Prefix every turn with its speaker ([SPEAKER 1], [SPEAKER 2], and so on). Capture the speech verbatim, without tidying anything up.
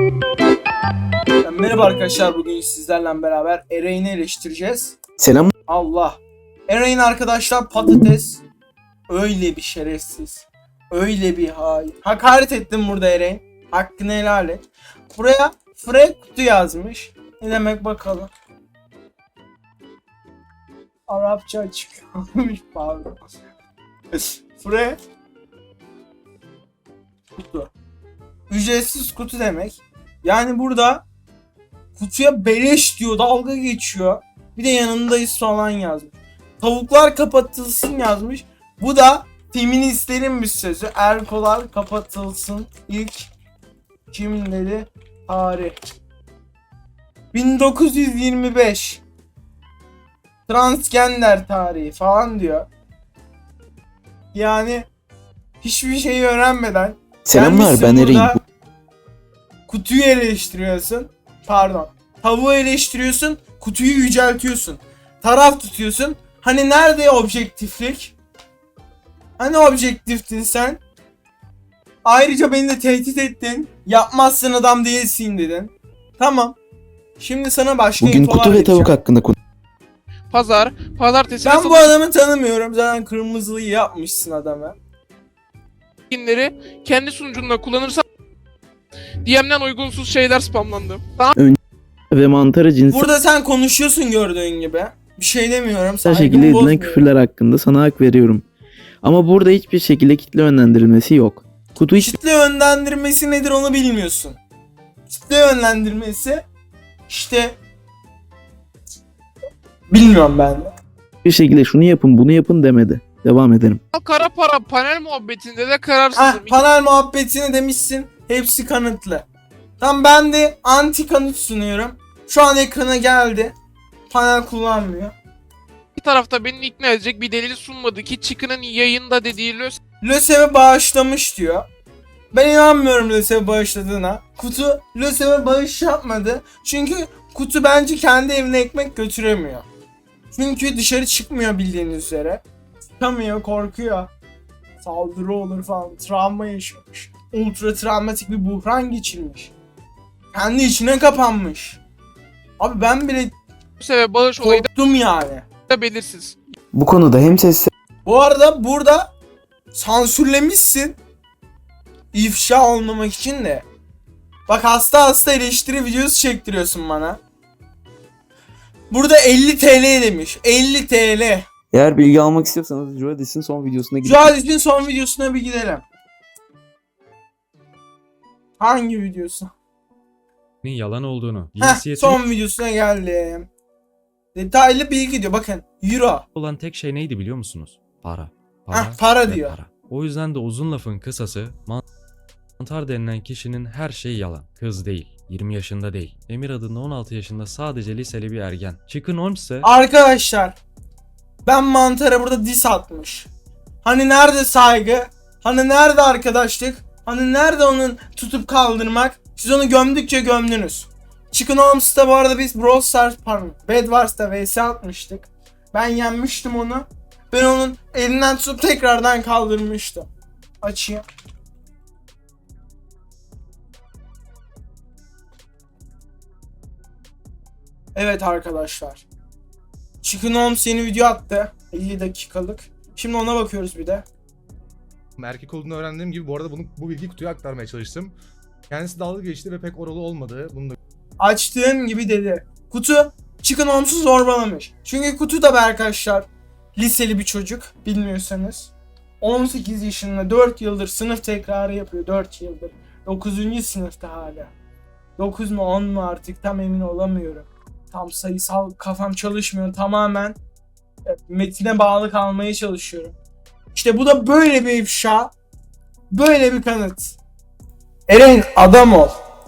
[SPEAKER 1] Merhaba arkadaşlar, bugün sizlerle beraber Eren'i eleştireceğiz.
[SPEAKER 2] Selam.
[SPEAKER 1] Allah. Eren arkadaşlar patates. Öyle bir şerefsiz. Öyle bir hain. Hakaret ettim burada Eren. Hakkını helal et. Buraya Fre kutu yazmış. Ne demek bakalım. Arapça çıkıyormuş pardon. Fre kutu. Ücretsiz kutu demek. Yani burada kutuya beleş diyor, dalga geçiyor. Bir de yanındayız falan yazmış. Tavuklar kapatılsın yazmış. Bu da feministlerin bir sözü. Erkolar kapatılsın. İlk kimleri? Tarih. bin dokuz yüz yirmi beş. Transgender tarihi falan diyor. Yani hiçbir şeyi öğrenmeden
[SPEAKER 2] Selamlar, ben Eren.
[SPEAKER 1] Kutuyu eleştiriyorsun. Pardon. Tavuğu eleştiriyorsun. Kutuyu yüceltiyorsun. Taraf tutuyorsun. Hani nerede objektiflik? Hani objektiftin sen? Ayrıca beni de tehdit ettin. Yapmazsın adam değilsin dedin. Tamam. Şimdi sana başka
[SPEAKER 2] Bugün
[SPEAKER 1] infolar
[SPEAKER 2] kutu ve
[SPEAKER 1] vereceğim.
[SPEAKER 2] tavuk hakkında konuş.
[SPEAKER 3] Pazar, pazartesi ve
[SPEAKER 1] Ben bu
[SPEAKER 3] salı
[SPEAKER 1] adamı tanımıyorum. Zaten kırmızılıyı yapmışsın adama.
[SPEAKER 3] günleri kendi sunucunda kullanırsan D M'den uygunsuz şeyler spamlandı. Daha
[SPEAKER 2] Ve mantarı cinsel
[SPEAKER 1] Burada sen konuşuyorsun gördüğün gibi. Bir şey demiyorum.
[SPEAKER 2] şekilde
[SPEAKER 1] Saygımı
[SPEAKER 2] edilen
[SPEAKER 1] bozmuyorum.
[SPEAKER 2] küfürler hakkında sana hak veriyorum. Ama burada hiçbir şekilde kitle yönlendirilmesi yok. Kutu hiç
[SPEAKER 1] Kitle yönlendirmesi nedir onu bilmiyorsun. Kitle yönlendirmesi işte bilmiyorum ben de.
[SPEAKER 2] hiçbir şekilde şunu yapın bunu yapın demedi. Devam edelim.
[SPEAKER 3] kara para panel muhabbetinde de
[SPEAKER 1] Heh,
[SPEAKER 3] kararsızım.
[SPEAKER 1] panel muhabbetini demişsin. Hepsi kanıtlı. Tam ben de anti kanıt sunuyorum. Şu an ekrana geldi. Panel kullanmıyor.
[SPEAKER 3] İki tarafta beni ikna edecek bir delil sunmadı ki Çıkı'nın yayında dediği lös
[SPEAKER 1] LÖSEV'e bağışlamış diyor. Ben inanmıyorum LÖSEV'e bağışladığına. Kutu LÖSEV'e bağış yapmadı. Çünkü Kutu bence kendi evine ekmek götüremiyor. Çünkü dışarı çıkmıyor bildiğiniz üzere. Çıkamıyor, korkuyor. Saldırı olur falan. Travma yaşamış. Ultra travmatik bir buhran geçirmiş. Kendi içine kapanmış. Abi ben bile
[SPEAKER 3] LÖSEV'e bağış olayı
[SPEAKER 1] korktum yani.
[SPEAKER 3] da belirsiz.
[SPEAKER 2] Bu konuda hem ses
[SPEAKER 1] Bu arada burada sansürlemişsin. İfşa olmamak için de. Bak hasta hasta eleştiri videosu çektiriyorsun bana. Burada elli T L demiş. elli T L.
[SPEAKER 2] eğer bilgi almak istiyorsanız Jodis'in son videosuna gidin.
[SPEAKER 1] Cuhadis'in son videosuna bir gidelim. Hangi videosu?
[SPEAKER 4] yalan olduğunu,
[SPEAKER 1] Heh,
[SPEAKER 4] cinsiyeti
[SPEAKER 1] son videosuna geldim. Detaylı bilgi diyor. Bakın euro.
[SPEAKER 4] olan tek şey neydi biliyor musunuz? Para. Para,
[SPEAKER 1] Heh, para
[SPEAKER 4] ve
[SPEAKER 1] diyor.
[SPEAKER 4] para. O yüzden de uzun lafın kısası mantar denilen kişinin her şeyi yalan. Kız değil, yirmi yaşında değil. Emir adında on altı yaşında sadece liseli bir ergen. Chicken Holmes ise
[SPEAKER 1] Arkadaşlar ben Mantar'a burada diss atmış. Hani nerede saygı? Hani nerede arkadaşlık? Hani nerede onun tutup kaldırmak? Siz onu gömdükçe gömdünüz. Chicken Holmes'ta bu arada biz Brawl Stars pardon Bed Wars'ta V S atmıştık. Ben yenmiştim onu. Ben onun elinden tutup tekrardan kaldırmıştım. Açayım. Evet arkadaşlar. Chicken Holmes yeni video attı. elli dakikalık. Şimdi ona bakıyoruz bir de.
[SPEAKER 5] Erkek olduğunu öğrendiğim gibi bu arada bunu, bu bilgiyi kutuya aktarmaya çalıştım. Kendisi dalga geçti ve pek oralı olmadı. Bunu da
[SPEAKER 1] Açtığım gibi dedi. Kutu Chicken Holmes'u zorbalamış. Çünkü Kutu da be arkadaşlar liseli bir çocuk bilmiyorsanız. on sekiz yaşında dört yıldır sınıf tekrarı yapıyor. dört yıldır. dokuzuncu sınıfta hala. dokuz mu on mu artık tam emin olamıyorum. Tam sayısal kafam çalışmıyor. Tamamen metine bağlı kalmaya çalışıyorum. İşte bu da böyle bir ifşa. Böyle bir kanıt. Eren adam ol.